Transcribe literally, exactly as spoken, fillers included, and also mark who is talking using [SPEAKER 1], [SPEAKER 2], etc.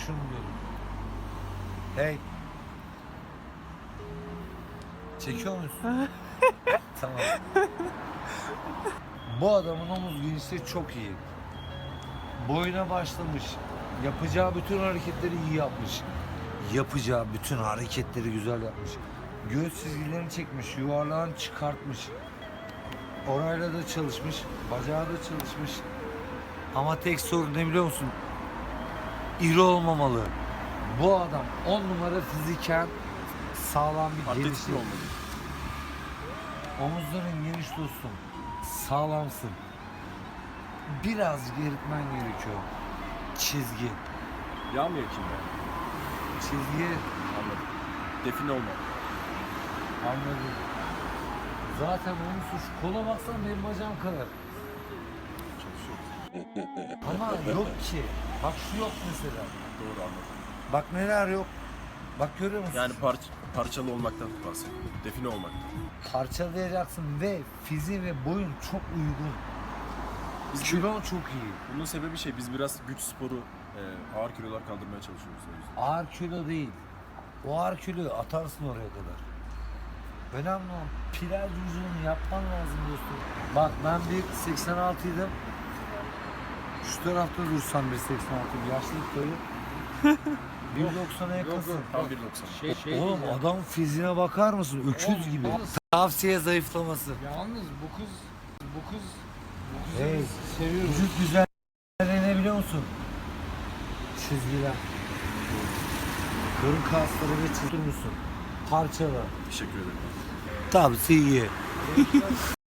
[SPEAKER 1] şunu diyorum. Hey. Çekiyor musun? Tamam. Bu adamın omuz genişliği çok iyi. Boyuna başlamış. Yapacağı bütün hareketleri iyi yapmış. Yapacağı bütün hareketleri güzel yapmış. Göğüs çizgilerini çekmiş, yuvarlağını çıkartmış. Orayla da çalışmış, bacağı da çalışmış. Ama tek sorun ne biliyor musun? İri olmamalı. Bu adam on numara fiziken sağlam bir
[SPEAKER 2] Atletik
[SPEAKER 1] gelişim.
[SPEAKER 2] mi olmalı?
[SPEAKER 1] Omuzların geniş dostum. Sağlamsın. Biraz geritmen gerekiyor. Çizgi.
[SPEAKER 2] Yağ mı yakayım ben?
[SPEAKER 1] Çizgi.
[SPEAKER 2] Anladım. Define olma.
[SPEAKER 1] Anladım. Zaten onun suç. Kola baksana benim bacağım kadar.
[SPEAKER 2] Çalışıyor.
[SPEAKER 1] Ama yok ki. Bak şu yok mesela.
[SPEAKER 2] Doğru anladım.
[SPEAKER 1] Bak neler yok. Bak görüyor musun?
[SPEAKER 2] Yani parç, parçalı olmaktan bahsediyorum. Define olmaktan.
[SPEAKER 1] Parçalayacaksın ve fiziğin ve boyun çok uygun.
[SPEAKER 2] Biz
[SPEAKER 1] Kilon çok iyi.
[SPEAKER 2] Bunun sebebi şey, biz biraz güç sporu, e, ağır kilolar kaldırmaya çalışıyoruz o yüzden.
[SPEAKER 1] Ağır kilo değil. O ağır kiloyu atarsın oraya kadar. Önemli olan plaj vücudunu yapman lazım dostum. Bak ben bir seksen altıydım. Şu tarafta dursan bir seksen altı yaşlılık boyu. bir doksana yakınsın.
[SPEAKER 2] Tam bir doksan.
[SPEAKER 3] Şey, şey
[SPEAKER 1] Oğlum
[SPEAKER 3] diyeceğim.
[SPEAKER 1] adam fiziğine bakar mısın? Öküz
[SPEAKER 3] Oğlum,
[SPEAKER 1] gibi.
[SPEAKER 3] yalnız-
[SPEAKER 1] Tavsiye zayıflaması.
[SPEAKER 3] Yalnız bu kız, bu kız, bu kızı
[SPEAKER 1] Hey,
[SPEAKER 3] biz seviyoruz.
[SPEAKER 1] vücut güzelliği ne biliyor musun? Çizgiler. Karın kasları ve çizgi musun? Parçalı.
[SPEAKER 2] Teşekkür ederim.
[SPEAKER 1] Tavsiye.